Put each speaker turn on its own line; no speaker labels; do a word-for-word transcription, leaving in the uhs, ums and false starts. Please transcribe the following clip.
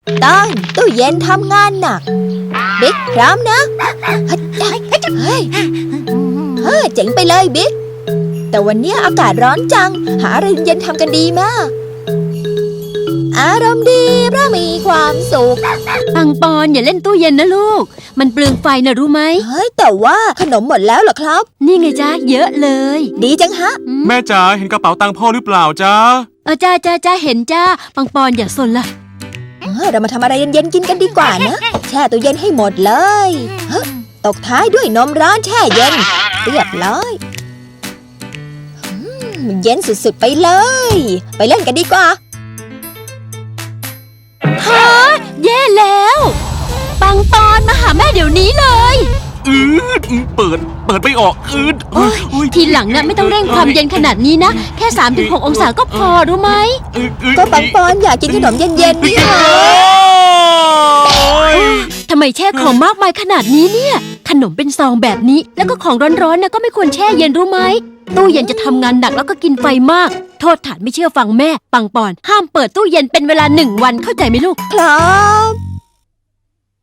ต้องตู้เย็นทำงานหนักบิ๊กพร้อมนะเฮ้ยเฮ้ยเฮ้ยเจ๋งไปเลยบิ๊กแต่วันนี้อากาศร้อนจังหาอะไรเย็นทำกันดีมากอารมณ์ดีเพราะมีความสุข
ปังปอนอย่าเล่นตู้เย็นนะลูกมันเปลืองไฟนะรู้ไหม
เฮ้ยแต่ว่าขนมหมดแล้วเหรอครับ
นี่ไงจ๊ะเยอะเลย
ดีจังฮะ
แม่จ๋าเห็นกระเป๋าตังค์พ่อหรือเปล่าจ๊ะ
เออจ้าจ้าจ้าเห็นจ้าปังปอนอย่าสนละ
เรามาทำอะไรเย็นๆกินกันดีกว่านะแช่ตู้เย็นให้หมดเลยตกท้ายด้วยนมร้อนแช่เย็นเรียบร้อยเย็นสุดๆไปเลยไปเล่นกันดีกว่า
ฮะแย่แล้วปังปอนมาหาแม่เดี๋ยวนี้เลย
อืดเปิดเปิดไม่ออกอืด
ทีหลังน่ะไม่ต้องเร่งความเย็นขนาดนี้นะแค่ สามถึงหก องศาก็พอรู้ไหม
ก็ปังปอนอยากกินขนมเย็นๆนี่ค่ะ
ทำไมแช่ของมากมายขนาดนี้เนี่ยขนมเป็นซองแบบนี้แล้วก็ของร้อนๆนะก็ไม่ควรแช่เย็นรู้ไหมตู้เย็นจะทำงานหนักแล้วก็กินไฟมากโทษฐานไม่เชื่อฟังแม่ปังปอนห้ามเปิดตู้เย็นเป็นเวลาหนึ่งวันเข้าใจไหมลูก
ครับ